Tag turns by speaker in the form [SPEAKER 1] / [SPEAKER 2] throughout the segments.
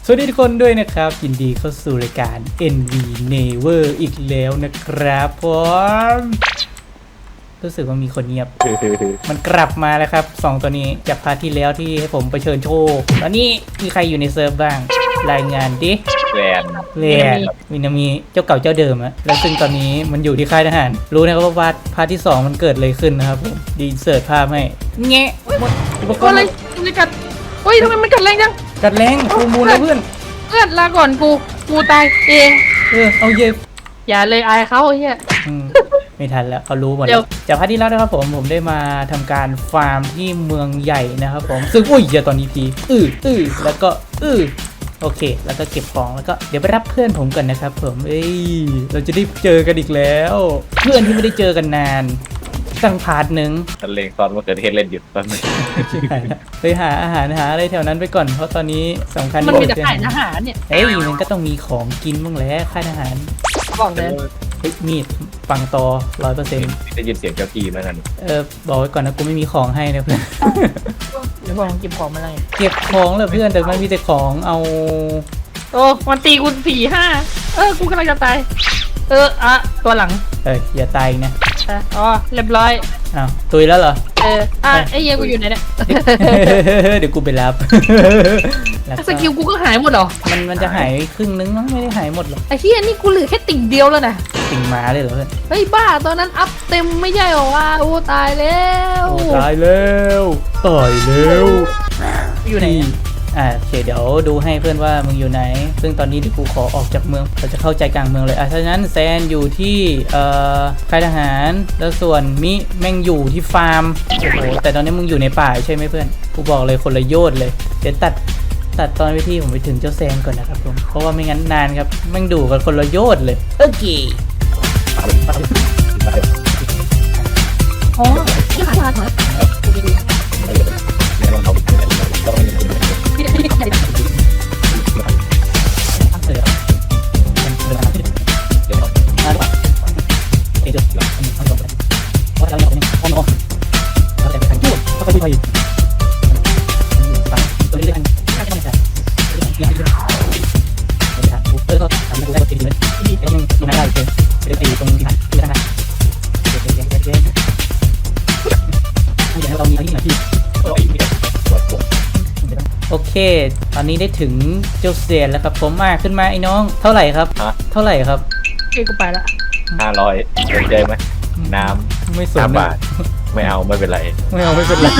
[SPEAKER 1] สวัสดีทุกคนด้วยนะครับยินดีเข้าสู่รายการ NV Never อีกแล้วนะครับผมรู้สึกว่ามีคนเงียบ มันกลับมาแล้วครับ2ตัวนี้จากพาร์ทที่แล้วที่ให้ผมไปเชิญโชว์ตอนนี้มีใครอยู่ในเซิร์ฟบ้างรายงานดิ
[SPEAKER 2] แวน
[SPEAKER 1] วินามีเจ้าเก่าเจ้าเดิมอะแล้วซึ่งตอนนี้มันอยู่ที่ค่ายทหารรู้นะครับว่าพาร์ทที่2มันเกิดอะไรขึ้นนะครับผมดีเสิร์ชภาพให้แงะหมดอุปกร
[SPEAKER 3] อะไร
[SPEAKER 1] ณ์
[SPEAKER 3] มันกัดเฮ้ยทำไมมันกัดแรงจัง
[SPEAKER 1] กัดแรงฟูมูลแล้วเพื่อน
[SPEAKER 3] เพื่อนลาก่อนกูตายเอง
[SPEAKER 1] เอาเย็บ
[SPEAKER 3] อย่าเลยอายเขาไอ้เหี้ย
[SPEAKER 1] ไม่ทันแล้วเขารู้หมด
[SPEAKER 3] เดี๋
[SPEAKER 1] แล้
[SPEAKER 3] ยว ว
[SPEAKER 1] จากพาร์ทที่แล้วนะครับผมได้มาทำการฟาร์มที่เมืองใหญ่นะครับผมซึ่งอุ้ยอย่าตอนนี้พีแล้วก็โอเค แล้วก็เก็บของแล้วก็เดี๋ยวไปรับเพื่อนผมก่อนนะครับผมเราจะได้เจอกันอีกแล้ว เพื่อนที่ไม่ได้เจอกันนานตั้งพาร์ทหนึ่ง
[SPEAKER 2] ตะเลงตอนมาเกิดเหตุเล่นอยู่ตอนนี้
[SPEAKER 1] ไปหาอาหารหาอะไรแถวนั้นไปก่อนเพราะตอนนี้สำคัญ
[SPEAKER 3] มันมีแต่
[SPEAKER 1] ที่
[SPEAKER 3] ขายอาหารเนี่ย
[SPEAKER 1] มันก็ต้องมีของกินบ้างแหล้วค่ายทหาร
[SPEAKER 3] บอกเลย
[SPEAKER 1] มีดปังตอ100%
[SPEAKER 2] ได้ยินเสียงเจ้าที่ไหมนั่น
[SPEAKER 1] บอกไว้ก่อนนะกูไม่มีของให้นะเพื่อน
[SPEAKER 3] เดี๋ยวบอกเก็บของมาเลย
[SPEAKER 1] เก็บของเลยเพื่อนแต่มันมีแต่ของเอา
[SPEAKER 3] โอ้มันตีกู4-5กูกำลังจะตายตัวหลัง
[SPEAKER 1] อย่าตายอีกนะ
[SPEAKER 3] อ๋อเรียบร้อย
[SPEAKER 1] อ้าวตุยแล้วเหรอ
[SPEAKER 3] ไอ้เหี้ยกูอยู่ไหนเนี่ย
[SPEAKER 1] เดี๋ยวกูไปรับ แล้ว
[SPEAKER 3] สกิลกูก็หายหมดเหรอ
[SPEAKER 1] มันจะหายครึ่งนึงมั้งไม่ได้หายหมดหรอก
[SPEAKER 3] ไอ้เหี้ยนี่กูเหลือแค่ติ่งเดียวแล้วนะ
[SPEAKER 1] ติ่งหมาเลยเหรอเพื่อน
[SPEAKER 3] เฮ้ยบ้าตอนนั้นอัพเต็มไม่ใช่หรอวะโอ้ตายแล้ว
[SPEAKER 1] ตายแล้ว
[SPEAKER 3] อยู่ไหน
[SPEAKER 1] โอเคเดี๋ยวดูให้เพื่อนว่ามึงอยู่ไหน ซึ่งตอนนี้ที่กูขอออกจากเมืองเราจะเข้าใจกลางเมืองเลยถ้าฉะนั้นแซนอยู่ที่ค่ายทหารแล้วส่วนมิแม่งอยู่ที่ฟาร์มโอ้โหแต่ตอนนี้มึงอยู่ในป่าใช่ไหมเพื่อนกูบอกเลยคนละโยชน์เลยเดี๋ยวตัดตอนวิธีผมไปถึงเจ้าแซนก่อนนะครับผมเพราะว่าไม่งั้นนานครับแม่งดูกันคนละโยชน์เลยโอเค
[SPEAKER 3] อ๋อยี่ห้าถอย
[SPEAKER 1] โอเค ตอนนี้ได้ถึงเจ้าเซียนแล้วครับผมมาขึ้นมาไอ้น้องเท่าไหร่ครับเท่าไหร่ครับ
[SPEAKER 3] กูไปละ
[SPEAKER 2] 500สนใจไหมน้ำ
[SPEAKER 1] ไม่สน
[SPEAKER 2] 5 บาทไม่เอาไม่เป็นไร
[SPEAKER 1] ไม่เอาไม่เป็นไร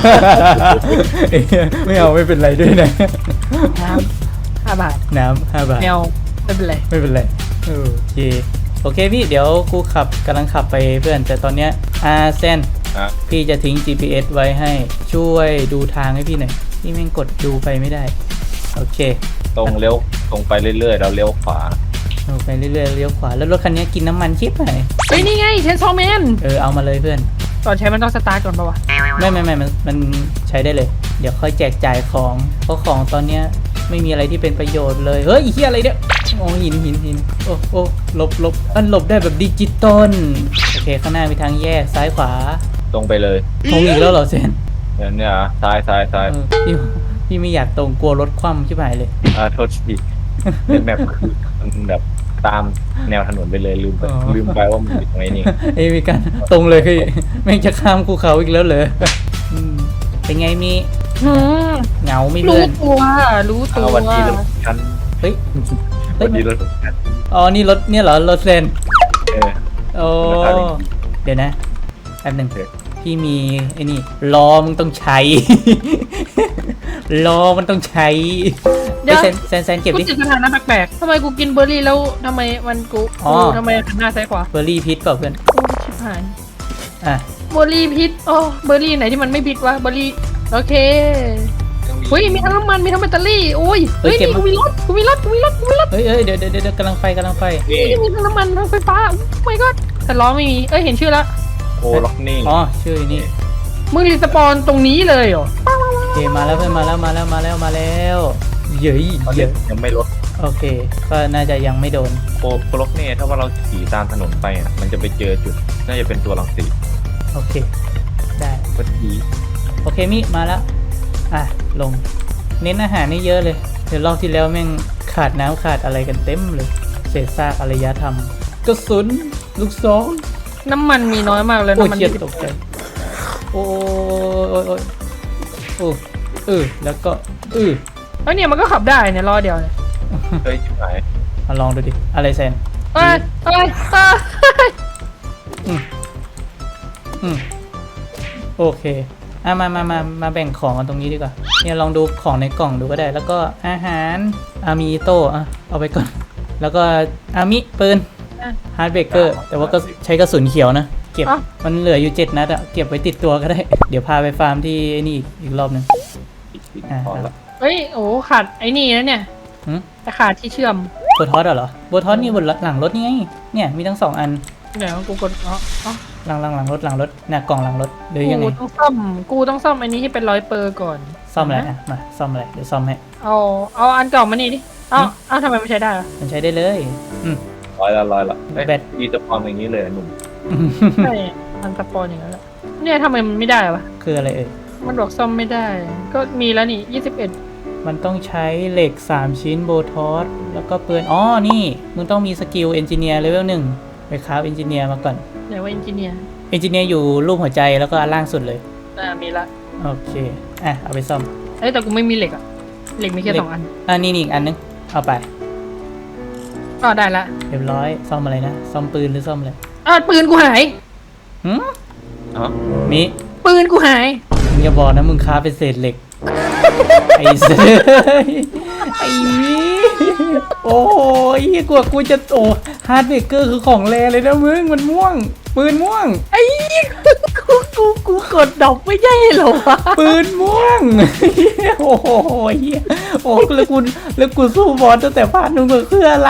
[SPEAKER 1] ไม่เอาไม่เป็นไรด้วยนะ
[SPEAKER 3] น้ำ5 บาท
[SPEAKER 1] น้ำ5 บาท
[SPEAKER 3] แนวไม่เป็นไร
[SPEAKER 1] ไม่เป็นไรโอเคพี่เดี๋ยวกูกำลังขับไปเพื่อนแต่ตอนเนี้ยเซนพี่จะทิ้ง GPS ไว้ให้ช่วยดูทางให้พี่หน่อยพี่แม่งกดดูไปไม่ได้โอเค
[SPEAKER 2] ตรงเลี้ยวตรงไปเรื่อยๆแล้วเลี้ยวขวา
[SPEAKER 1] ไปเรื่อยๆเลี้ยวขวาแล้วรถคันนี้กินน้ำมันชิบไหน
[SPEAKER 3] เฮ้ยนี่ไงเชนซอแมน
[SPEAKER 1] เอามาเลยเพื่อน
[SPEAKER 3] ตอนใช้มันต้องสตาร์ทก่อนป่าวะ
[SPEAKER 1] ไม่มันใช้ได้เลยเดี๋ยวค่อยแจกจ่ายของเพราะของตอนเนี้ยไม่มีอะไรที่เป็นประโยชน์เลยเฮ้ยเฮียอะไรเนี่ยโอ้หินโอ้หลบหลบได้แบบดิจิตอลโอเคข้างหน้ามีทางแยกซ้ายขวา
[SPEAKER 2] ตรงไปเลย
[SPEAKER 1] ตรงอีกแล้วเหรอเซน
[SPEAKER 2] เนี่ยซ้าย
[SPEAKER 1] พี่ไม่อยากตรงกลัวรถคว่ำชิบหายเลย
[SPEAKER 2] โทษทีเป็นแบบมันแบบตามแนวถนนไปเลยลืมไปว่ามันอยู่ตรงนี้
[SPEAKER 1] มีการตรงเลยคือไม่งจะข้ามภูเขาอีกแล้วเหรอเป็นไงมีเหงาไม่
[SPEAKER 3] รู้
[SPEAKER 1] เพื่อน
[SPEAKER 3] รู้ตัว
[SPEAKER 2] วันนี้รถกัน
[SPEAKER 1] เฮ้ย
[SPEAKER 2] วันนี้รถกัน
[SPEAKER 1] อ๋อนี่รถเนี่ยเหรอรถเซน โอ้
[SPEAKER 2] ราคาดี
[SPEAKER 1] เดี๋ยวนะแป๊บหนึ่งพี่มีไอ้นี่ล้อมึงต้องใช้ ล้อมันต้องใช้
[SPEAKER 3] เดี๋ยว
[SPEAKER 1] แซนเก็บ
[SPEAKER 3] กู
[SPEAKER 1] ดิ
[SPEAKER 3] จิตสถานะแปลกๆทำไมกูกินเบอร์รี่แล้วทำไมมันกูทำไมหันหน้าซ้ายขวา
[SPEAKER 1] เบอร์รี่พิษเปล่าเพื่อน
[SPEAKER 3] โอ้ชิบหาย เบอร์รี่พิษโอ้เบอร์รี่ไหนที่มันไม่พิษวะเบอร์รี่โอเคเฮ้ยมีทั้งน้ำมันมีทั้งแบตเตอรี่โอ้ยเฮ้ยนี่กูมีรถเฮ้
[SPEAKER 1] ยเดี๋ยวกำลังไป
[SPEAKER 3] นี่มีทั้งน้ำมันทั้งไฟฟ้าโอ้ my god แต่ล้อไม่มีเห็นชื่อละ
[SPEAKER 2] โอ้ล็อกนี่
[SPEAKER 1] อ๋อชื่อนี่
[SPEAKER 3] มึงรีสปอนตรงนี้เลยเหรอ
[SPEAKER 1] โอเคมาแล้วเพื่อนมาแล้วเย้ย
[SPEAKER 2] ยังไม่ลด
[SPEAKER 1] โอเคก็น่าจะยังไม่โดน
[SPEAKER 2] โคล็อกนี่ถ้าว่าเราขี่ตามถนนไปมันจะไปเจอจุดน่าจะเป็นตัวรังสี
[SPEAKER 1] โอเคได้
[SPEAKER 2] พอดี
[SPEAKER 1] โอเคมิมาแล้วลงเน้นอาหารนี่เยอะเลยเดี๋ยวรอบที่แล้วแม่งขาดน้ำขาดอะไรกันเต็มเลยเศษซากอารยธรรมกระสุนลูกซอง
[SPEAKER 3] น้ำมันมีน้อยมากเลย
[SPEAKER 1] โอ้ย
[SPEAKER 3] น้ำมัน
[SPEAKER 1] เชียตกใจโอ้ยแล้วก็
[SPEAKER 3] แล้วเนี่ยมันก็ขับได้เนี่ยล้อเดียวเนี่ย
[SPEAKER 2] เฮ้ยชิบหาย
[SPEAKER 1] มาลองดูดิอะไรแซน
[SPEAKER 3] เอ้ย
[SPEAKER 1] โอเคมาแบ่งของกันตรงนี้ดีกว่าเนี่ยลองดูของในกล่องดูก็ได้ แล้วก็อาหารมีโต้เอาไปก่อนแล้วก็มิปืนฮาร์ดเบเกอร์แต่ว่าก็ใช้กระสุนเขียวนะเก็บมันเหลืออยู่7 นัดอะเก็บไว้ติดตัวก็ได้ เดี๋ยวพาไปฟาร์มที่ไอ้นี่อีกรอบนึง
[SPEAKER 2] พอละ
[SPEAKER 3] เฮ้ยโอ้ขาดไอ้นี่นะเนี่ยแต่ขาดที่เชื่อม
[SPEAKER 1] โบทอสเหรอโบทอสนี่บนหลังรถนี่ไงเนี่ยมีทั้ง2 อัน
[SPEAKER 3] เดี๋ยวกูกด
[SPEAKER 1] หลังรถน่ะกล่องหลังรถหรือยังไง
[SPEAKER 3] กูต้องซ่อมอันนี้ให้เป็น100%ก่อน
[SPEAKER 1] ซ่อมอะไรมาซ่อมอะไรเดี๋ยวซ่อมให้
[SPEAKER 3] เอาอันเก่ามานี่ดิเอาทำไมไม่ใช้ได้ล่ะ
[SPEAKER 1] มันใช้ได้เลย
[SPEAKER 2] ร้อยละ
[SPEAKER 1] แบต
[SPEAKER 2] อีจะพอมอย่างนี้เลยหนุ่ม
[SPEAKER 3] ใช่มันสปอนอย่างนั้นแหละเนี่ยทำไมมันไม่ได้วะ
[SPEAKER 1] คืออะไรเอ่ย
[SPEAKER 3] มันบอกซ่อมไม่ได้ ก็มีแล้วนี่21
[SPEAKER 1] มันต้องใช้เหล็ก3 ชิ้นโบทอสแล้วก็ปืนนี่มึงต้องมีสกิลเอนจิเนียร์เลเวล1ไปคราฟเอนจิเนียร์มาก่อน
[SPEAKER 3] ไหนว่าเอนจิเนียร์
[SPEAKER 1] เอนจิเนียร์อยู่รูปหัวใจแล้วก็อันล่างสุดเลย
[SPEAKER 3] มีละ
[SPEAKER 1] โอเคเอาไปซ่อม
[SPEAKER 3] แต่กูไม่มีเหล็กอะเหล็กมีแค่2 อัน
[SPEAKER 1] นี่อีกอันนึงเอาไป
[SPEAKER 3] ได้ละ
[SPEAKER 1] เรียบร้อยซ่อมอะไรนะซ่อมปืนหรือซ่อมอะไร
[SPEAKER 3] ปืนกูหาย
[SPEAKER 1] มิ
[SPEAKER 3] ปืนกูหาย
[SPEAKER 1] มึงอย่าบอกนะมึงค้าเป็นเศษเหล็ก ไอ้เสือไอ้มิโอ้ยกว่ากูจะฮาร์ดเบเกอร์คือของแรเลยนะมึงมันม่วงปืนม่วง
[SPEAKER 3] ไอ้กูกดดอกไม่ใช่เหรอวะ
[SPEAKER 1] ปืนม่วงโอ้โหแล้วกูสู้บอลตั้งแต่พาร์ทนึงก็คืออะไร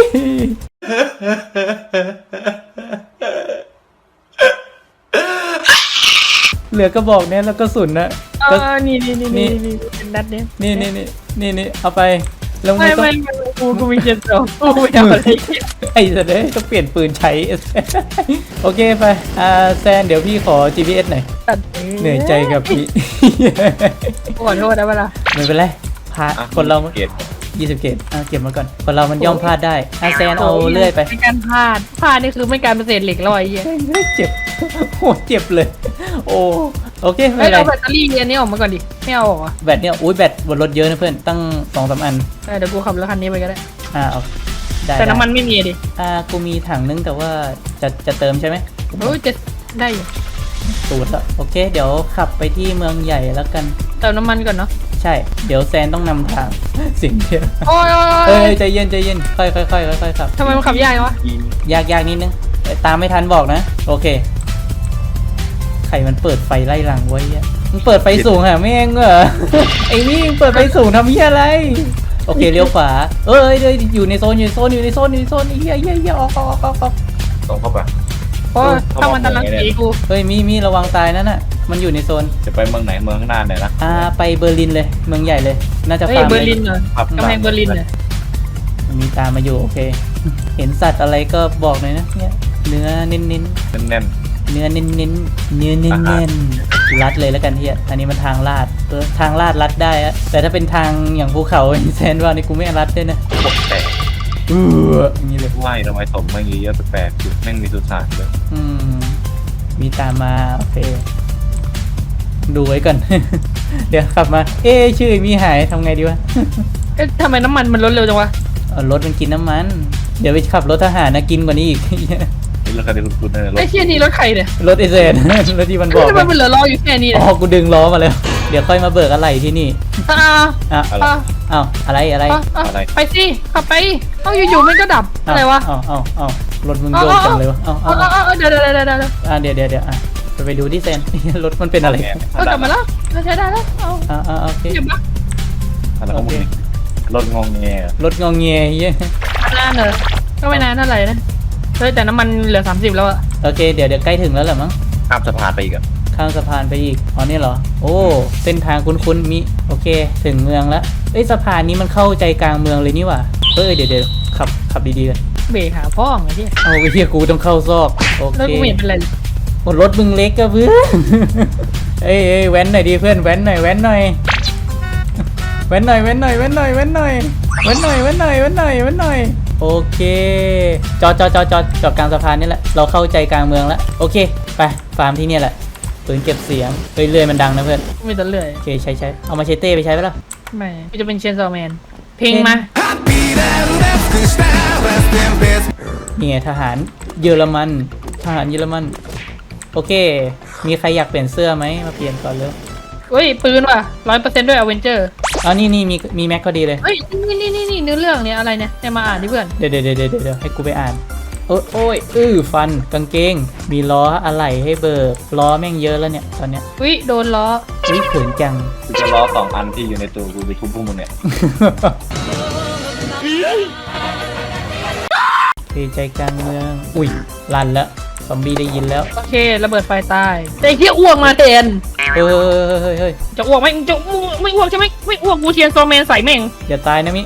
[SPEAKER 1] เหลือกระบอกเนี้ยแล้วก็สุนนะ
[SPEAKER 3] นี่เป็นนัดเนี้ย
[SPEAKER 1] นี่เอาไปแล้ว
[SPEAKER 3] ไม่กูมี72กูไม่เอาอะไร
[SPEAKER 1] ไอ้สัตว์เลยต้องเปลี่ยนปืนใช้โอเคไปแซนเดี๋ยวพี่ขอ GPS หน่อยเหนื่อยใจกับพี่
[SPEAKER 3] ขอโทษนะเวลา
[SPEAKER 1] ไม่เป็นไรพาคนเรา
[SPEAKER 2] เก็บ
[SPEAKER 1] 20 เกตเก็บมาก่อนคนเรามันย่อมพลาดได้แซนเอาเลื่อยไป
[SPEAKER 3] ไม่การพลาดนี่คือไม่การเป็นเศษเหล็กลอยเหี้ย
[SPEAKER 1] เจ็บโอ้เจ็บเลยโอเคไม่เป็นไร
[SPEAKER 3] เอาแบตเตอรี่อันนี้ออกมาก่อนดิไม่เอาออก
[SPEAKER 1] แบตเนี่ยแบตบนรถเยอะนะเพื่อนตั้ง 2-3 อัน
[SPEAKER 3] เดี๋ยวกูขับรถคันนี้ไปก็ได้
[SPEAKER 1] เอาได้
[SPEAKER 3] แต่น้ำมันไม่มีดิ
[SPEAKER 1] กูมีถังนึงแต่ว่าจะเติมใช่ไหม
[SPEAKER 3] จะได้อยู่
[SPEAKER 1] ตูดแล้วโอเคเดี๋ยวขับไปที่เมืองใหญ่แล้วกัน
[SPEAKER 3] เติมน้ำมันก่อนเนาะ
[SPEAKER 1] ใช่เดี๋ยวแซนต้องนำทางสิ่งเดียวใจเย็นค่อยครับ
[SPEAKER 3] ทำไมมันขับยากวะ
[SPEAKER 1] ยากนิดนึงตามไม่ทันบอกนะโอเคใครมันเปิดไฟไล่หลังไว้เนี่ยมึงเปิดไฟสูงหะแม่งเหรอไอ้นี่เปิดไฟสูงทำเหี้ยอะไรโอเคเลี้ยวขวาอยู่ในโซนเหี้ยออก
[SPEAKER 2] ต้องเข้าไป
[SPEAKER 3] เพราะถ้ามันตะลังตีกู
[SPEAKER 1] มีระวังตายนั่นน่ะมันอยู่ในโซน
[SPEAKER 2] จะไปเมืองไหนเมืองข้างหน้าไหนนะ
[SPEAKER 1] ไปเบอร์ลินเลยเมืองใหญ่เลยน่าจะฟาร์ม
[SPEAKER 3] เบอร์ลินเหรอกำแพงเบอร์ลินเนี่ย
[SPEAKER 1] มีตามมาอยู่โอเคเห็นสัตว์อะไรก็บอกหน่อยนะเนี่ยเนื้อเน้นเนื้อเน้นรัดเลยแล้วกันเฮียอันนี้มันทางลาดรัดได้อะแต่ถ้าเป็นทางอย่างภูเขาแซนว่านี่กูไม่รัดด้วยนะ
[SPEAKER 2] ปกแต่
[SPEAKER 1] อย่างนี้เลย
[SPEAKER 2] ว่ายทำไมสมไม่เยอะแปลกๆจุดแม่งมีสุสานด้วย
[SPEAKER 1] มีตามมาโอเคดูไว้ก่อน เดี๋ยวขับมาชื่อมีหายทำไงดีวะ
[SPEAKER 3] ทำไมน้ำมันมันลดเร็วจังวะ
[SPEAKER 1] รถมันกินน้ำมันเดี๋ยวไปขับรถทหารนะกินกว่านี้อีก
[SPEAKER 2] รถคันนี้คุณนั่น
[SPEAKER 3] ไอ้เชี่ยนี่รถใครเนี่ย
[SPEAKER 1] รถไอเซนรถที่มันบอก
[SPEAKER 3] มันเหลือล้ออยู่แค่นี้
[SPEAKER 1] กูดึงล้อมาแล้วเดี๋ยวค่อยมาเบิกอะไรที่นี่อะไร
[SPEAKER 3] ไปสิขับไปอยู่ๆมันก็ดับอะไรวะ
[SPEAKER 1] รถมึงโยกจังเลยวะ
[SPEAKER 3] เดี๋ยว
[SPEAKER 1] ไปดูที่เซนรถมันเป็นอะไร
[SPEAKER 3] กลับมาแล้วใช้ได้แล้ว
[SPEAKER 1] โอเค
[SPEAKER 3] เก็บมา
[SPEAKER 2] รถงงเงี้ย
[SPEAKER 1] เยอะ
[SPEAKER 3] นานเลยก็ไม่นานเท่าไหร่นะแต่น้ำมันเหลือ30แล้วอะ
[SPEAKER 1] โอเคเดี๋ยวใกล้ถึงแล้วแหละมั้ง
[SPEAKER 2] ข้ามสะพานไปอีก
[SPEAKER 1] ข้ามสะพานไปอีกนี่เหรอเส้นทางคุ้นๆมีโอเคถึงเมืองแล้วสะพานนี้มันเข้าใจกลางเมืองเลยนี่หว่าเดี๋ยวขับดีๆกัน
[SPEAKER 3] เบรกหาพ่อไงที่
[SPEAKER 1] ไปเที่ยกูต้องเข้าซอกโอเค
[SPEAKER 3] แล้วกูเห็นเป็นไร
[SPEAKER 1] รถมึงเล็กก็เพื่อนแว้นหน่อยดีเพื่อนแว้นหน่อยเว้นหน่อยเว้นหน่อยเว้นหน่อยเว้นหน่อยเว้นหน่อยเว้นหน่อยเว้นหน่อยเว้นหน่อยโอเคจอดกลางสะพานนี่แหละเราเข้าใจกลางเมืองแล้วโอเคไปฟาร์มที่เนี่ยแหละปืนเก็บเสียงเรื่อยๆมันดังนะเพื่อน
[SPEAKER 3] ไม่ต้องเลื่อย
[SPEAKER 1] โอเคใช้เอามาเชเต้ไปใช้ไหมล่ะ
[SPEAKER 3] ไม่กูจะเป็นเชนซอแมนเพลงมา
[SPEAKER 1] นี่ไงทหารเยอรมันโอเคมีใครอยากเปลี่ยนเสื้อไหมมาเปลี่ยนก่อนเลย
[SPEAKER 3] เฮ้ยปืนว่ะ100%ด้วยอเวนเจอร์
[SPEAKER 1] อ๋อนี่มีแม็กก็ดีเลย
[SPEAKER 3] เฮ้ยนี่เนื้อเรื่องเนี่ยอะไรเนี่ยมาอ่านดิเพื่อน
[SPEAKER 1] เดี๋ยวให้กูไปอ่านโอ้ยฟันกางเกงมีล้ออะไหล่ให้เบิกล้อแม่งเยอะแล้วเนี่ยตอนเนี้ย
[SPEAKER 3] อุ้ยโดนล้อ
[SPEAKER 1] เขินจัง
[SPEAKER 2] กูจะล้อ2 อันที่อยู่ในตัวกูไปทุบพวกมึงเนี่ย
[SPEAKER 1] ใจกลางเมืองอุ้ยลั่นแล้วซอมบี้ได้ยินแล้ว
[SPEAKER 3] โอเคระเบิดไฟตายแต่เฮียอ้วกมาแทน
[SPEAKER 1] เฮ้ย
[SPEAKER 3] จะอ้วกไหมจะไม่อ้วกใช่ไหมไม่อ้วกกูเชียนซอแมนใส่แม่ง
[SPEAKER 1] อย่าตายนะมิ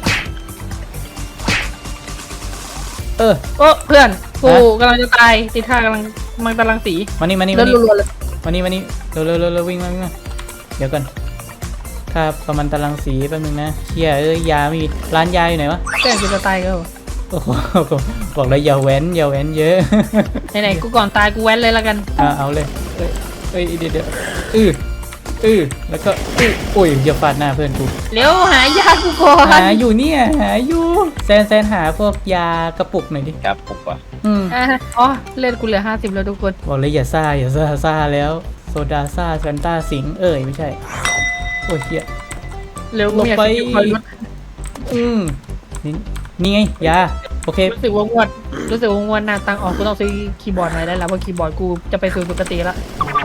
[SPEAKER 3] โอ้เพื่อนกูกำลังจะตายติดท่ากำลังมันกำลังสี
[SPEAKER 1] มานี่
[SPEAKER 3] แล้วรัวๆเลย
[SPEAKER 1] มานี่เร็ววิ่งมาเดี๋ยวก่อนค่าประมาณตารางสีแป๊บนึงนะเชี่ยยาไม่มีร้านยาอยู่ไหนวะ
[SPEAKER 3] แก่กูจะตายก็
[SPEAKER 1] โอ้โหบอกเลยอย่าแว้นเยอะ
[SPEAKER 3] ไหนๆกูก่อนตายกูแว้นเลยละกัน
[SPEAKER 1] เอาเลยเดี๋ยวแล้วก็โอ้ยอย่าฟาดหน้าเพื่อนกู
[SPEAKER 3] เร็วหายากูก่อน
[SPEAKER 1] หาอยู่แซนหาพวกยากระปุกหน่อยดิ
[SPEAKER 2] ครับผมว่ะ
[SPEAKER 3] อ๋อเลือดกูเหลือ50แล้วทุกคน
[SPEAKER 1] บอกเลยอย่าซ่าแล้วโซดาซ่าแฟนต้าสิงไม่ใช่โอ้ยเฮีย
[SPEAKER 3] เร็ว
[SPEAKER 1] ลงไป
[SPEAKER 3] อืม
[SPEAKER 1] นี่ไงยาโอเค
[SPEAKER 3] รู้สึกว่างวดหน้าตังออกกูต้องซื้อคีย์บอร์ดใหม่ได้แล้วเพราะคีย์บอร์ดกูจะไปสู่ปกติละ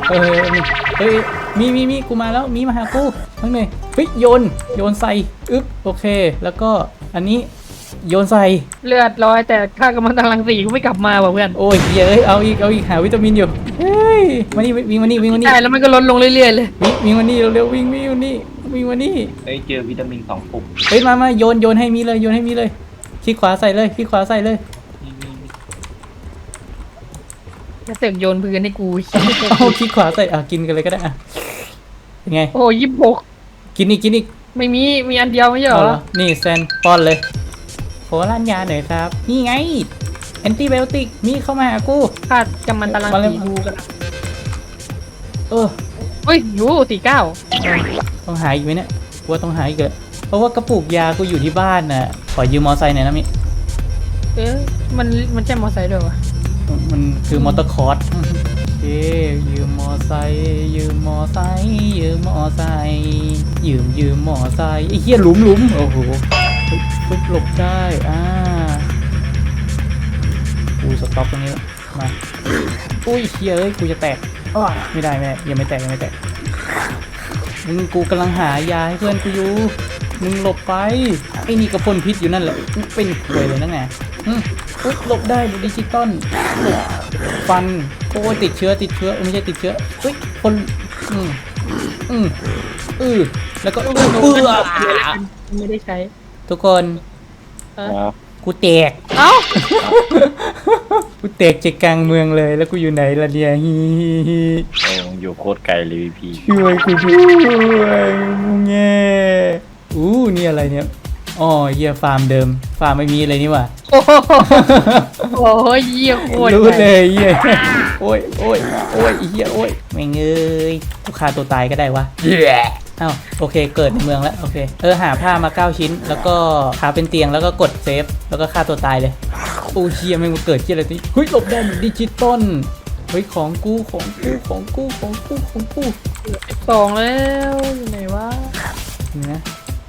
[SPEAKER 1] มีกูมาแล้วมีมาหากูทั้งหนึ่งเฮ้ยโยนใส่โอเคแล้วก็อันนี้โยนใส่
[SPEAKER 3] เลือดร้อยแต่ค่ากำลังตรังสีกูไม่กลับมาว่ะเพื่อน
[SPEAKER 1] โอ้ยเอาอีกหาวิตามินอยู่เฮ้ยมานี่วิ่งมานี่
[SPEAKER 3] ใช่แล้วมันก็ลดลงเรื่อยๆเลย
[SPEAKER 1] วิ่งมานี่เร็ววิ่งมานี่
[SPEAKER 2] เจอวิตามิน2 ปุ่ม
[SPEAKER 1] เฮ้ยมาโยนให้มีเลยคลิกขวาใส่เลย
[SPEAKER 3] จะเสกโยนพื้นให้กู
[SPEAKER 1] เอาคลิกขวาใส่กินกันเลยก็ได้เป็นไง
[SPEAKER 3] โอ้26
[SPEAKER 1] กินอีก
[SPEAKER 3] ไม่มีอันเดียวไม่ใช่เหรอ
[SPEAKER 1] นี่แซนป้อนเลยขอร้านยาหน่อยครับนี่ไงแอนติไบโอติกมีเข้ามาหากู
[SPEAKER 3] ค่ากำมันตรังสีกูกัน เฮ้ยอยู่49
[SPEAKER 1] ต้องหาอีกไหมเนี่ยว่าต้องหาอีกเลยเพราะว่ากระปุกยากูอยู่ที่บ้านน่ะขอยืมมอไซค์หน่อยนะมิ
[SPEAKER 3] มันใช่มอไซค์ด้วยวะ
[SPEAKER 1] มันคือมอเตอร์คอร์สโอเคยืมมอไซค์ไอ้เหี้ยหลุมโอ้โหปึ๊บหลบได้กูสต็อปตรงนี้มาอุ้ยเฮ้ยกูจะแตกไม่ได้ยังไม่แตกกูกำลังหายาให้เพื่อนกูอยู่มึงหลบไปไอ้นี่กระพ่นพิษอยู่นั่นแหละเป็นป่วยเลยนั่นไงหลบได้ดิจิตอลหลบฟันโอ้ติดเชื้อไม่ใช่ติดเชื้อคนแล้วก็
[SPEAKER 3] ไม่ได้ใช้
[SPEAKER 1] ทุกคนกูแตก กูแตกใจกลางเมืองเลยแล้วกูอยู่ไหนล่ะเนี่ย
[SPEAKER 2] อยู่โคตรไกลเลยพี่
[SPEAKER 1] ช่วยกูด้วยมึงแง่นี่อะไรเนี่ยอ๋อเหี้ยฟาร์มเดิมฟาร์มไม่มีอะไรนี่หว่า
[SPEAKER 3] โอ้ยเหี้ยโคตร
[SPEAKER 1] รู้เลยเหี้ยโอ้ยเหี้ยแม่งกูฆ่าตัวตายก็ได้วะอ้าวโอเคเกิดในเมืองแล้วโอเคหาผ้ามา9 ชิ้นแล้วก็หาเป็นเตียงแล้วก็กดเซฟแล้วก็ฆ่าตัวตายเลยโอ้เหี้ยแม่งมาเกิดเหี้ยอะไรนี่เฮ้ยหลบได้เหมือนดิจิตอลเฮ้ยของกู
[SPEAKER 3] 2แล้วอยู่ไหนวะ
[SPEAKER 1] นี่นะ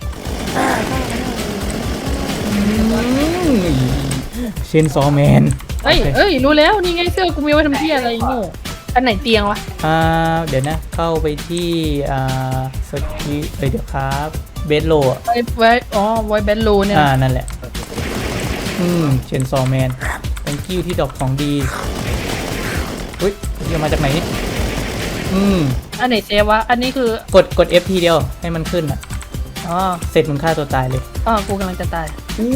[SPEAKER 1] เชนซอแมน
[SPEAKER 3] เอ้ยรู้แล้วนี่ไงเสื้อกูมีไว้ทำที่อะไรโง่อันไหนเตียงวะ
[SPEAKER 1] เดี๋ยวนะเข้าไปที่สกีเดี๋ยวครับเบสโล
[SPEAKER 3] ไว้เบสโลเนี่ย
[SPEAKER 1] นั่นแหละเชนซอแมนthank youที่ดอกของดีเฮ้ยจะมาจากไหนนี่
[SPEAKER 3] อันไหนเซฟวะอันนี้คื
[SPEAKER 1] อกด F ทีเดียวให้มันขึ้นเสร็จมึงฆ่าตัวตายเลย
[SPEAKER 3] กูกำลังจะตาย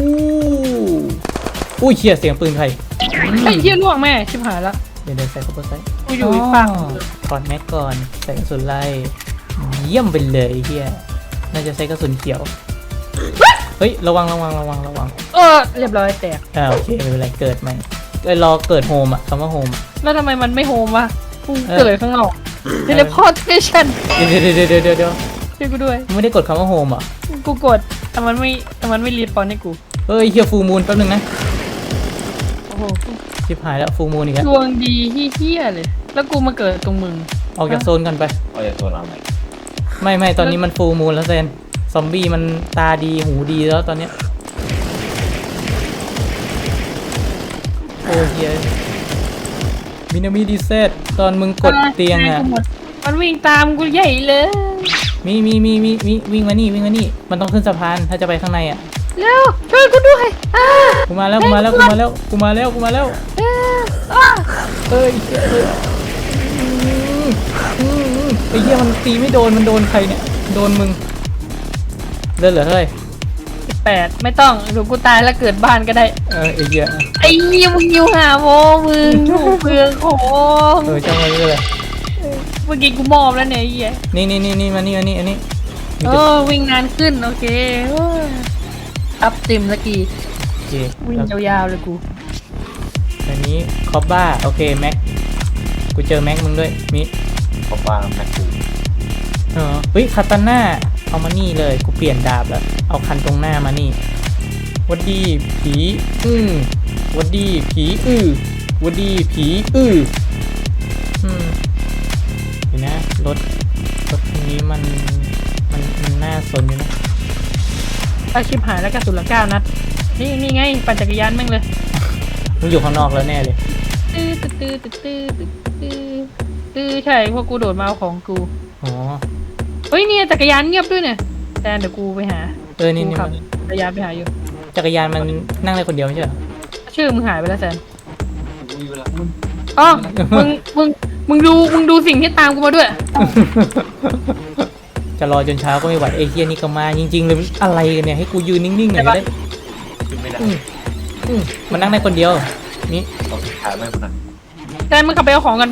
[SPEAKER 1] อุ้ยเชี่ยเสียงปืนใคร
[SPEAKER 3] ไอ้เหี้ยล่วงแม่ชิบหายละ
[SPEAKER 1] เดี๋ยวใส่เข้าไปใส่
[SPEAKER 3] กูอยู่อีกฝั่ง
[SPEAKER 1] ถอดแม็กก่อนใส่กระสุนไล่เยี่ยมไปเลยเฮียน่าจะใช้กระสุนเขียวเฮ้ยระวัง
[SPEAKER 3] เรียบร้อยแตก
[SPEAKER 1] โอเคไม่เป็นไรเกิดใหม่รอเกิดโฮมอ่ะคำว่าโฮม
[SPEAKER 3] แล้วทำไมมันไม่โฮมวะกูเกิดข้างนอกเทเลพอร์ตเทชัน
[SPEAKER 1] เดี๋ยว
[SPEAKER 3] ช่วยกูด้วย
[SPEAKER 1] ไม่ได้กดคำว่าโฮมอ่ะ
[SPEAKER 3] กูกดแต่มันไม่รีสปอนให้กู
[SPEAKER 1] เฮ้ยเฮียฟูมูลแป๊บนึงนะ
[SPEAKER 3] โอ้โห
[SPEAKER 1] ชิบหายแล้วฟูมูลอีกแล้ว
[SPEAKER 3] ดวงดีเฮี้ยๆเลย แล้วกูมาเกิดตรงมึง
[SPEAKER 1] ออกจากโซนกันไป
[SPEAKER 2] เอาอย่าโซนเอาไหน
[SPEAKER 1] ไม่ตอนนี้มันฟูมูลแล้วเซนซอมบี้มันตาดีหูดีแล้วตอนเนี้ยโอ้เฮียมินามิดีเซตตอนมึงกดเตียงอ่ะ
[SPEAKER 3] มันวิ่งตามกูใหญ่เลย
[SPEAKER 1] มีวิ่งมานี่มันต้องขึ้นสะพานถ้าจะไปข้างในอ่ะ
[SPEAKER 3] เร็วช่วยกูด้วย
[SPEAKER 1] กูมาแล้วเอ้ยไอ้เหี้ยมันตีไม่โดนมันโดนใครเนี่ยโดนมึงเดินเหรอเฮ้ย
[SPEAKER 3] 8ไม่ต้องเดี๋ยวกูตายแล้วเกิดบ้านก็ได้
[SPEAKER 1] ไอ้เหี้ย
[SPEAKER 3] ไอ้เหี้ยมึงอยู่หาโมมึงถูกเปลืองของ
[SPEAKER 1] ช่างมันเลย
[SPEAKER 3] เมื่อกี้กูมอบแล้วเนี่ยไอ้เหี้ย
[SPEAKER 1] นี่มานี่อันนี้
[SPEAKER 3] วิ่งนานขึ้นโอเคอัพเต็มสักที
[SPEAKER 1] โอเค
[SPEAKER 3] วิ่งยาวๆเลยกู
[SPEAKER 1] อันนี้คอปบ้าโอเคแม็กกูเจอแม็กมึงด้วยมิ
[SPEAKER 2] เพราะว่าแม็กกู
[SPEAKER 1] เฮ้ยคาตาน่าเอามานี่เลยกูเปลี่ยนดาบแล้วเอาคันตรงหน้ามานี่วัดดีผีวัดดีผีวัดดีผีเห็นนะรถคันนี้มันน่าสนอยู่นะ
[SPEAKER 3] เอาชิบหายแล้วกระสุนละ9 นัดนี่ไงปั่นจักรยานแม่งเลย
[SPEAKER 1] มึงอยู่ข้างนอกแล้วแน่เลย
[SPEAKER 3] ใช่พวกกูโดดมาเอาของกู
[SPEAKER 1] อ๋อ
[SPEAKER 3] เฮ้ยเนี่ยจักรยานเงียบด้วยเนี่ยแต่เดี๋ยวกูไปหา
[SPEAKER 1] นี่
[SPEAKER 3] กูขับจักรยานไปหาอยู่
[SPEAKER 1] จักรยานมันนั่งได้คนเดียวไม่ใช่เหรอ
[SPEAKER 3] ชื่อมึงหายไปแล้วแซนอ๋อมึงดูสิ่งที่ตามกูมาด้วย
[SPEAKER 1] จะรอจนเช้าก็ไม่ไหวเอเชียนี่ก็มาจริงๆเลยอะไรกันเนี่ยให้กูยืนนิ่งๆหน่อยได้
[SPEAKER 2] ขึ้นไม่ได้
[SPEAKER 1] มันนั่งได้คนเดียวนี่
[SPEAKER 2] เอาขาไม่คนนั้น
[SPEAKER 3] แซนมึงขับไปเอาของกันไป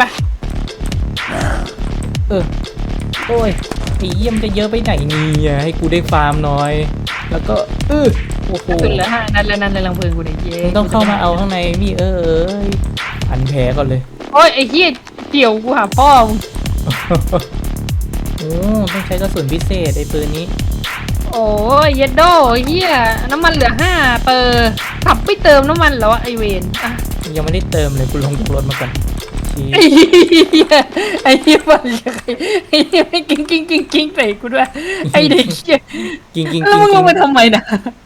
[SPEAKER 1] โอ้ยไอ้เยี่ยมจะเยอะไปไหนเนี่ยให้กูได้ฟาร์มหน่อยแล้วก็โอ้โห
[SPEAKER 3] สุดเหลือ5 นัดแล้วนั่นเลยลังเพลิงกูเนี่ยเย้
[SPEAKER 1] มึงต้องเข้ามาเอาข้างในพี่พันแผลก่อนเลย
[SPEAKER 3] โอ้ยไอ้เหี้ยเกี่ยวกูหาพ่อมึง
[SPEAKER 1] โอ้ต้องใช้กระสุนพิเศษไอ้ปืนนี้
[SPEAKER 3] โอ้ยเยดโดเหี้ยน้ำมันเหลือ5เปอร์ขับไม่เติมน้ำมันแล้วไอเวนอ่ะ
[SPEAKER 1] ยังไม่ได้เติมเลยกูลงจากรถมาก่อน
[SPEAKER 3] ไอ้เหี้ยมันไอ้เหี้ยไม่กิ้งใส่กูด้วยไอ้เด็กเหี้ย
[SPEAKER 1] กิง
[SPEAKER 3] แล้วมึงลงมาทำไมนะ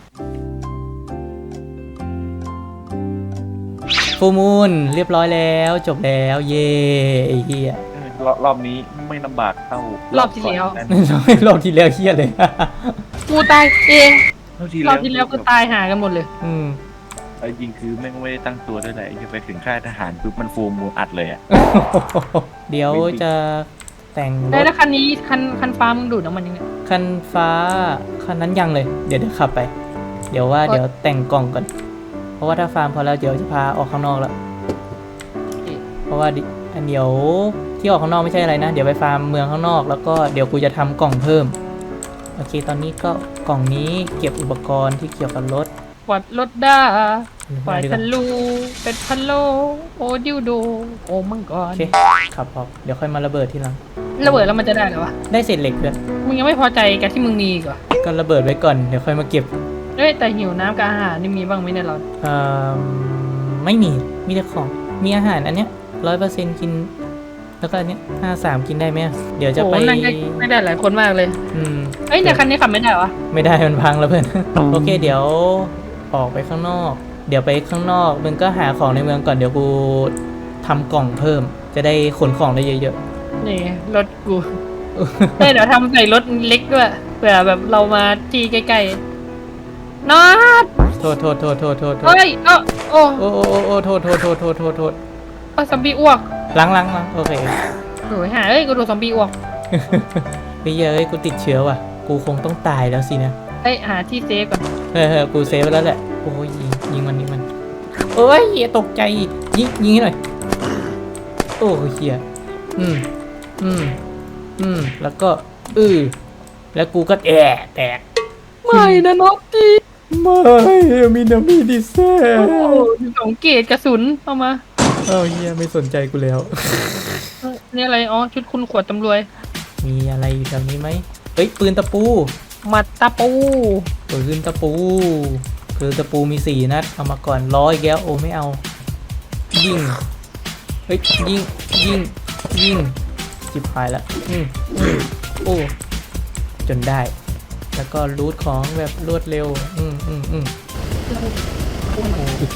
[SPEAKER 1] ฟูมูลเรียบร้อยแล้วจบแล้วเย่ไอ้เหี้ย
[SPEAKER 2] รอบนี้ไม่ลำบากเท่าร
[SPEAKER 3] อบที่แล้ว
[SPEAKER 1] รอบที่แล้วเหี้ยเลย
[SPEAKER 3] กูตายเอง
[SPEAKER 2] รอบ
[SPEAKER 3] รอบที่แล้วก็ตายหากันหมดเลย
[SPEAKER 2] ไอ้จริงคือแม่งไม่ได้ตั้งตัวด้วยแหละจะไปถึงค่ายทหารปุ๊บมันฟูมูอัดเลยอ่ะ
[SPEAKER 1] เดี๋ยวจะแต่งรถ
[SPEAKER 3] แล้วคันนี้คันฟ้ามึงดูดน้ำมันยังไง
[SPEAKER 1] คันฟ้าคันนั้นยังเลยเดี๋ยวขับไป เดี๋ยวแต่งกล่องก่อนเพราะว่าถ้าฟาร์มพอแล้วเดี๋ยวจะพาออกข้างนอกแล้วเพราะว่าอันเดี๋ยวที่ออกข้างนอกไม่ใช่อะไรนะเดี๋ยวไปฟาร์มเมืองข้างนอกแล้วก็เดี๋ยวกูจะทำกล่องเพิ่มโอเคตอนนี้ก็กล่องนี้เก็บอุปกรณ์ที่เกี่ยวกับรถ
[SPEAKER 3] วัดรถได้ฝ่าย
[SPEAKER 1] ดีก
[SPEAKER 3] ทะ
[SPEAKER 1] ว่า
[SPEAKER 3] ลูเป็ดพะโลโอดิวโดโอมังก
[SPEAKER 1] โอ
[SPEAKER 3] ร
[SPEAKER 1] เคขับออกเดี๋ยวค่อยมาระเบิดทีหลัง
[SPEAKER 3] ระเบิดแล้วมันจะได้เหรอวะ
[SPEAKER 1] ได้เศษเหล็กด้วย
[SPEAKER 3] มึงยังไม่พอใจกับที่มึงมีอีก่อน
[SPEAKER 1] ก็ระเบิดไว้ก่อนเดี๋ยวค่อยมาเก็บ
[SPEAKER 3] เอ้ยแต่หิวน้ำกับอาหารนี่มีบ้างไหมเนี่ยเรา
[SPEAKER 1] ไม่มีแต่ของมีอาหารอันเนี้ย100%กินแล้วก็อันเนี้ย53กินได้ไหมเดี๋ยวจะไป
[SPEAKER 3] โอ้นั่งไม่ได้หลายคนมากเลยเอ้ยแต่คันนี้ขับไม่ได้วะ
[SPEAKER 1] ไม่ได้มันพังแล้วเพื่อน โอเคเดี๋ยวออกไปข้างนอก เดี๋ยวไปข้างนอกมึงก็หาของในเมืองก่อนเดี๋ยวกูทำกล่องเพิ่ม จะได้ขนของได้เยอะ
[SPEAKER 3] นี่รถกูเดี๋ยวทำใส่รถเล็กด้วยเผื่อแบบเรามาที่ใกล้ๆนอด
[SPEAKER 1] ๆโทษ
[SPEAKER 3] เฮ้ยโอ้
[SPEAKER 1] โทษ
[SPEAKER 3] ซอมบี้อ้วก
[SPEAKER 1] ล้างโอเค
[SPEAKER 3] โอ้ยหาเอ้ยกูโดนซอมบี้อ้วก
[SPEAKER 1] ไปเยอะกูติดเชื้อว่ะกูคงต้องตายแล้วสินะ
[SPEAKER 3] เอ้ยหาที่เซฟก่อน
[SPEAKER 1] กูเซฟไปแล้วแหละโอ้ยยิงมันโอ้ยตกใจยิงให้หน่อยโอ้เฮียแล้วก็แล้วกูก็แตก
[SPEAKER 3] ไม่นะน็อตตี้
[SPEAKER 1] ไม่มีนามิดิเซ่
[SPEAKER 3] โอ้โห2 เกรดกระสุนเอามา
[SPEAKER 1] เฮียไม่สนใจกูแล้ว
[SPEAKER 3] นี่อะไรอ๋อชุดคุณขวดตำรวจ
[SPEAKER 1] มีอะไรอยู่แถวนี้ไหมเฮ้ยปืนตะปู
[SPEAKER 3] มัดตะปู
[SPEAKER 1] ปืนตะปูคือตะปูมี4 นัดเอามาก่อน100อีกแล้วโอ้ไม่เอายิงเฮ้ยยิงจิบหายละโอ้จนได้แล้วก็รูทของแบบรวดเร็วโอ้โห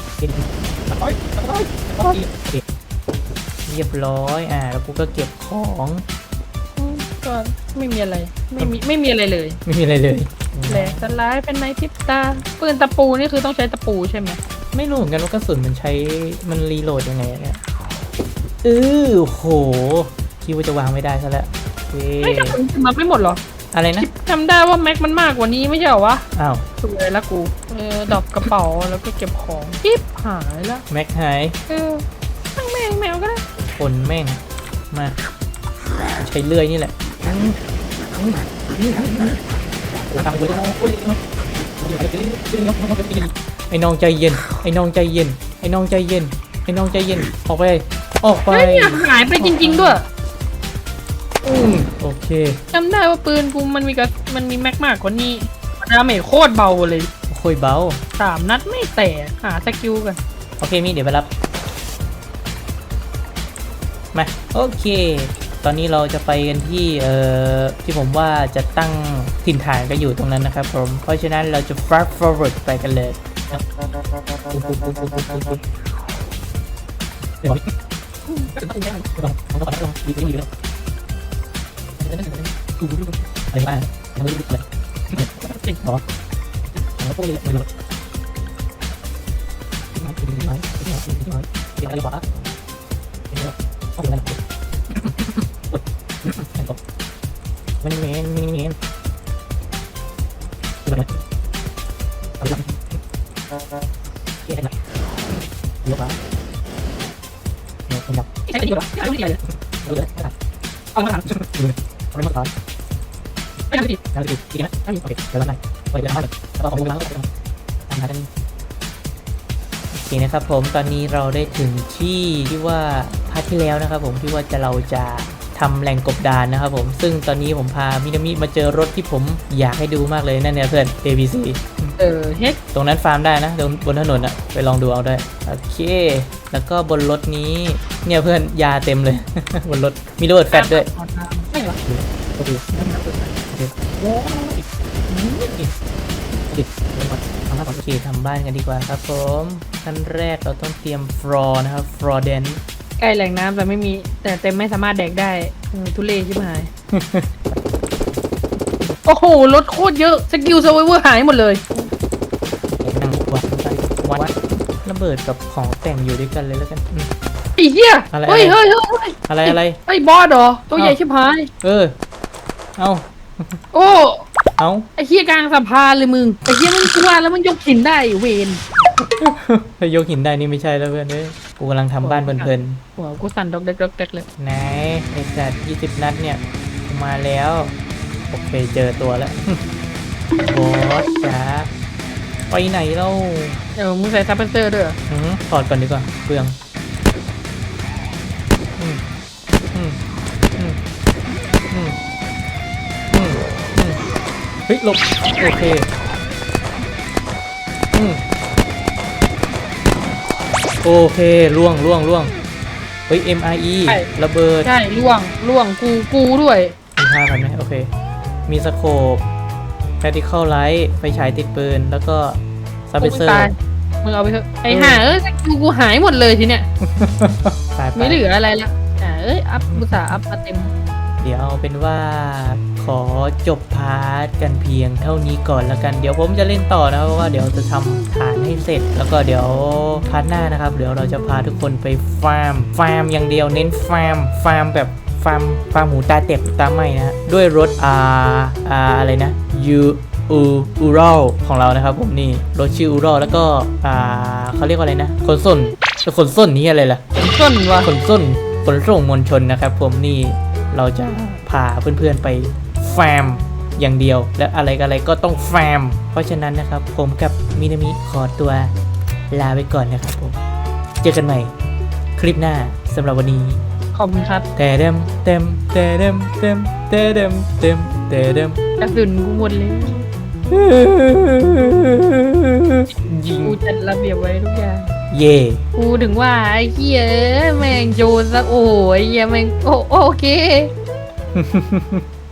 [SPEAKER 1] เรียบร้อยแล้วกูก็เก็บของ
[SPEAKER 3] ก็ไม่มีอะไรไม่มีอะไรเลย
[SPEAKER 1] ไม่มีอะไรเลย
[SPEAKER 3] แหลกสลายเป็นในพริบตาปืนตะปูนี่คือต้องใช้ตะปูใช่ไหม
[SPEAKER 1] ไม่รู้เหมือนกันว่ากระสุนมันรีโหลดยังไงเนี่ยโหคิดว่าจะวางไม่ได้ซะแล้ว
[SPEAKER 3] ไม่กระสุนมันไม่หมดหรอ
[SPEAKER 1] อะไรนะ
[SPEAKER 3] จำได้ว่าแม็กมันมากกว่านี้ไม่ใช่เหรอวะ
[SPEAKER 1] อ้าว
[SPEAKER 3] สวยละกูดรอปกระเป๋าแล้วก็เก็บของจิ๊บหายละ
[SPEAKER 1] แม็กหาย
[SPEAKER 3] ตั้งแมวก็ได้
[SPEAKER 1] คนแม่งมาใช้เลื่อยนี่แหละไอ้น้องใจเย็นไอ้น้องใจเย็นไอ้น้องใจเย็นไอ้น้องใจเย็นออกไป
[SPEAKER 3] เฮ้ยหายไปจริงๆด้วย
[SPEAKER 1] โอเค
[SPEAKER 3] จำได้ว่าปืนกูมันมีแม็กมากกว่านี้ดาเมจโคตรเบาเลย
[SPEAKER 1] ค่อยเบา
[SPEAKER 3] 3 นัดไม่แตกหาสกิลกัน
[SPEAKER 1] โอเคมีเดี๋ยวไปรับมาโอเค ตอนนี้เราจะไปกันที่ที่ผมว่าจะตั้งถิ่นฐานก็อยู่ตรงนั้นนะครับผมเพราะฉะนั้นเราจะ fast forward ไปกันเลยอะไรบ้างไม่รู้เลยจริงเหรอแล้วก็เลยไม่รู้อะไรวะมันเมนเอาละเกี่ยนะยกละเนี่ยเป็นแบบใช่ดีกว่าไม่ดีเลยเอามาทำเอามาทำไม่ทำดีทำดีดีนะโอเคเดี๋ยวแล้วไงไปเดี๋ยวมาเลยแล้วก็ของมึงแล้วก็ทำกันโอเคนะครับผมตอนนี้เราได้ถึงที่ว่าพาร์ทที่แล้วนะครับผมที่ว่าเราจะทำแหล่งกบดานนะครับผมซึ่งตอนนี้ผมพามินามิมาเจอรถที่ผมอยากให้ดูมากเลยนั่นเนี่ยเพื่อน ABC
[SPEAKER 3] เฮ็ด
[SPEAKER 1] ตรงนั้นฟาร์มได้นะตรงบนถนนอะไปลองดูเอาได้โอเคแล้วก็บนรถนี้เนี่ยเพื่อนยาเต็มเลย บนรถมีระเบิดแฟลชด้วย
[SPEAKER 3] ไม่หรอ
[SPEAKER 1] โอเคทำบ้านกันดีกว่าครับผมขั้นแรกเราต้องเตรียมฟลอร์นะครับฟลอร์เดน
[SPEAKER 3] ใกล้แหล่งน้ำแต่ไม่มีแต่เต็มไม่สามารถแดกได้ทุเรศชิบหาย โอ้โหรถโคตรเยอะสกิลเซอร์ไวเวอร์หายหมดเลย
[SPEAKER 1] นั่งวัดระเบิดกับของแต่งอยู่ด้วยกันเลยแล้วกัน
[SPEAKER 3] ไอ้เหี้ยเฮ้ย
[SPEAKER 1] อะไร
[SPEAKER 3] ไอ้บอสเหรอตัวใหญ่ชิบหาย
[SPEAKER 1] เอา
[SPEAKER 3] โอ้
[SPEAKER 1] เอา
[SPEAKER 3] ไอ้เหี้ยกลางสะพานเลยมึงไอ้เหี้ยมันกลัวแล้วมันยกหินได้เวน
[SPEAKER 1] ถ้ายกหินได้นี่ไม่ใช่แล้วเพื่อนกูกำลังทำบ้านเพลิน
[SPEAKER 3] หัวกูสั่นดอกเด็กเลย
[SPEAKER 1] ไหนไอ้สัตว์20 นัดเนี่ยมาแล้วโอเคเจอตัวแล้วบอสจ๋าไปไหนเล่า
[SPEAKER 3] มึงใส่ซับเปอร์เซอร์ด้วย
[SPEAKER 1] ถอดก่อนดีกว่าเปลืองเฮ้ยหลบโอเคโอเคล่วงเฮ้ย MRE ระเบิด
[SPEAKER 3] ใช่ล่วงกูด้วย
[SPEAKER 1] มี5,000ไหมโอเคมีสโคป Tactical Light ไฟฉายติดปืนแล้วก็ซับเบเซอร์
[SPEAKER 3] มึงเอาไปเถอะไอ้ห่ากูหายหมดเลยทีเนี้ยไม่เหลืออะไรละอัพบุษาอัพมาเต็ม
[SPEAKER 1] เดี๋ยวเอาเป็นว่าขอจบพาร์ทกันเพียงเท่านี้ก่อนแล้วกันเดี๋ยวผมจะเล่นต่อนะเพราะว่าเดี๋ยวจะทำฐานให้เสร็จแล้วก็เดี๋ยวพาร์ทหน้านะครับเดี๋ยวเราจะพาทุกคนไปฟาร์มอย่างเดียวเน้นฟาร์มแบบฟาร์มหมูตาเต็บตาไหมนะด้วยรถอะไรนะอูรอลของเรานะครับผมนี่รถชื่ออูรอลแล้วก็เขาเรียกว่าอะไรนะขนส่งนี่อะไรล่ะขนส่งมวลชนนะครับผมนี่เราจะพาเพื่อนๆไปฟาร์มอย่างเดียว และอะไรก็ต้องฟาร์มเพราะฉะนั้นนะครับผมกับมินามิขอตัวลาไปก่อนนะครับผมเจอกันใหม่คลิปหน้าสำหรับวันนี้
[SPEAKER 3] ขอบคุณครับ
[SPEAKER 1] แต่เดิมเต็มแต่เดิมเต็มแต่เดิมเต็มแต่เดิม
[SPEAKER 3] กระสุนกูหมดเลยกูจัดระเบียบไว้ทุกอย่าง
[SPEAKER 1] เย่
[SPEAKER 3] กูถึงว่าไอ้เหี้ยแม่งโยนซะโอ้ยเหี้ยแม่งโอเค